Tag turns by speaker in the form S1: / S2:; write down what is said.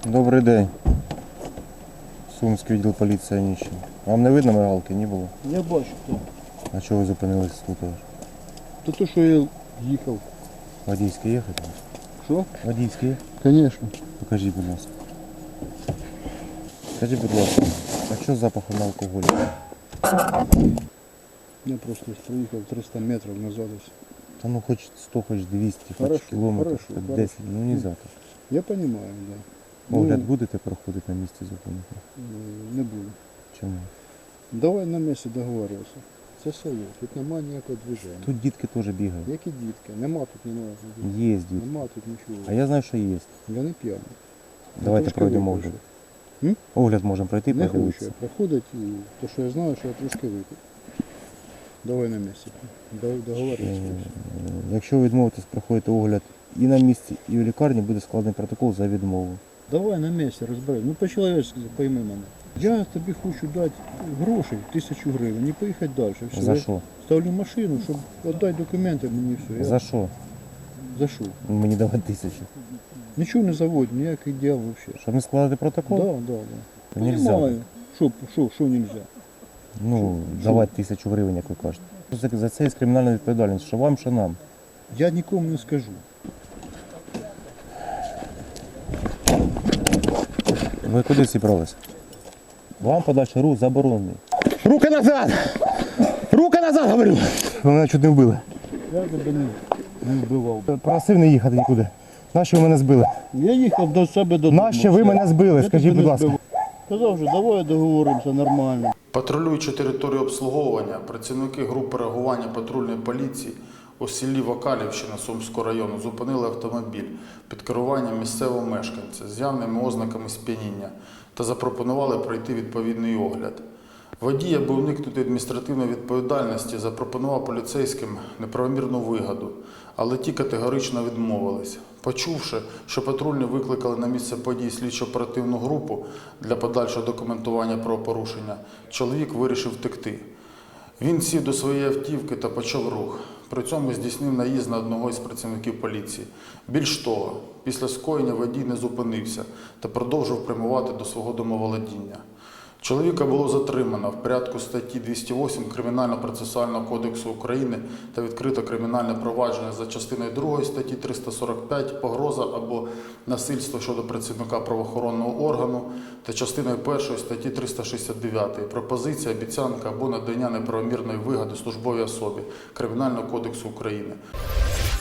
S1: Добрий день. Сумський відділ поліції Аніщин. Вам не видно мигалки? Не було?
S2: Я бачу, хто.
S1: А чого ви зупинились тут?
S2: Та то, що я їхав.
S1: Водійське їхати?
S2: Що?
S1: Водійське є?
S2: Звісно.
S1: Покажіть, будь ласка. Скажіть, будь ласка, а що з запахом на алкоголі?
S2: Я просто проїхав 300 метрів назад.
S1: Та ну хоч 100, хоч 200, хоч
S2: Хорошо,
S1: кілометрів,
S2: хорошо,
S1: хоч
S2: хорошо.
S1: 10, ну не завтра.
S2: Я розумію, да.
S1: Огляд будете проходити на місці зупинки?
S2: Не буду.
S1: Чому?
S2: Давай на місці договорюватися. Це село, тут немає ніякого движення.
S1: Тут дітки теж бігають.
S2: Які дітки? Нема тут немає.
S1: Є дітки.
S2: Нема тут нічого.
S1: А я знаю, що є.
S2: Я не п'яний.
S1: Давайте
S2: трошки
S1: пройдемо
S2: випив.
S1: огляд. Огляд можемо пройти,
S2: Не хочу
S1: подивитися.
S2: я проходити, то що я знаю, що я трошки випив. Давай на місці. Договорюватися.
S1: Якщо ви відмовитесь проходити огляд і на місці, і в лікарні, буде складений протокол за відмову.
S2: Давай на місці розберемо. Ну по-чоловічськи пойми мене. Я тобі хочу дати грошей, 1000 гривень, і поїхати далі. Все.
S1: За
S2: Я
S1: що?
S2: ставлю машину, щоб віддати документи мені все. Я...
S1: За що?
S2: За що?
S1: Мені давати 1000.
S2: Нічого не заводь, ніяких діл взагалі.
S1: Щоб не складати протокол?
S2: Да.
S1: То нельзя.
S2: Понимаю. Що нельзя?
S1: Ну, давати 1000 гривень, як ви кажете. За це є кримінальна відповідальність. Що вам, що нам.
S2: Я нікому не скажу.
S1: Ви куди зібралися? Вам подальший рух заборонений.
S3: Руки назад! Руки назад, говорю!
S1: Ви мене чуть не вбили.
S2: Я тебе не вбивав.
S1: Просив не їхати нікуди. Нащо ви мене збили?
S2: Я їхав до себе додому.
S1: Нащо ви мене збили?
S2: Я
S1: Скажіть,
S2: тебе
S1: будь
S2: не
S1: ласка.
S2: збивав. Казав вже, давай договоримося нормально.
S4: Патрулюючи територію обслуговування, працівники групи реагування патрульної поліції у селі Вакалівщина Сумського району зупинили автомобіль під керуванням місцевого мешканця з явними ознаками сп'яніння та запропонували пройти відповідний огляд. Водій, аби уникнути адміністративної відповідальності, запропонував поліцейським неправомірну вигоду, але ті категорично відмовились. Почувши, що патрульні викликали на місце події слідчо-оперативну групу для подальшого документування правопорушення, чоловік вирішив втекти. Він сів до своєї автівки та почав рух. При цьому здійснив наїзд на одного із працівників поліції. Більш того, після скоєння водій не зупинився та продовжив прямувати до свого домоволодіння. Чоловіка було затримано в порядку статті 208 Кримінально-процесуального кодексу України та відкрито кримінальне провадження за частиною 2 статті 345 «Погроза або насильство щодо працівника правоохоронного органу» та частиною 1 статті 369 «Пропозиція, обіцянка або надання неправомірної вигоди службовій особі» Кримінального кодексу України.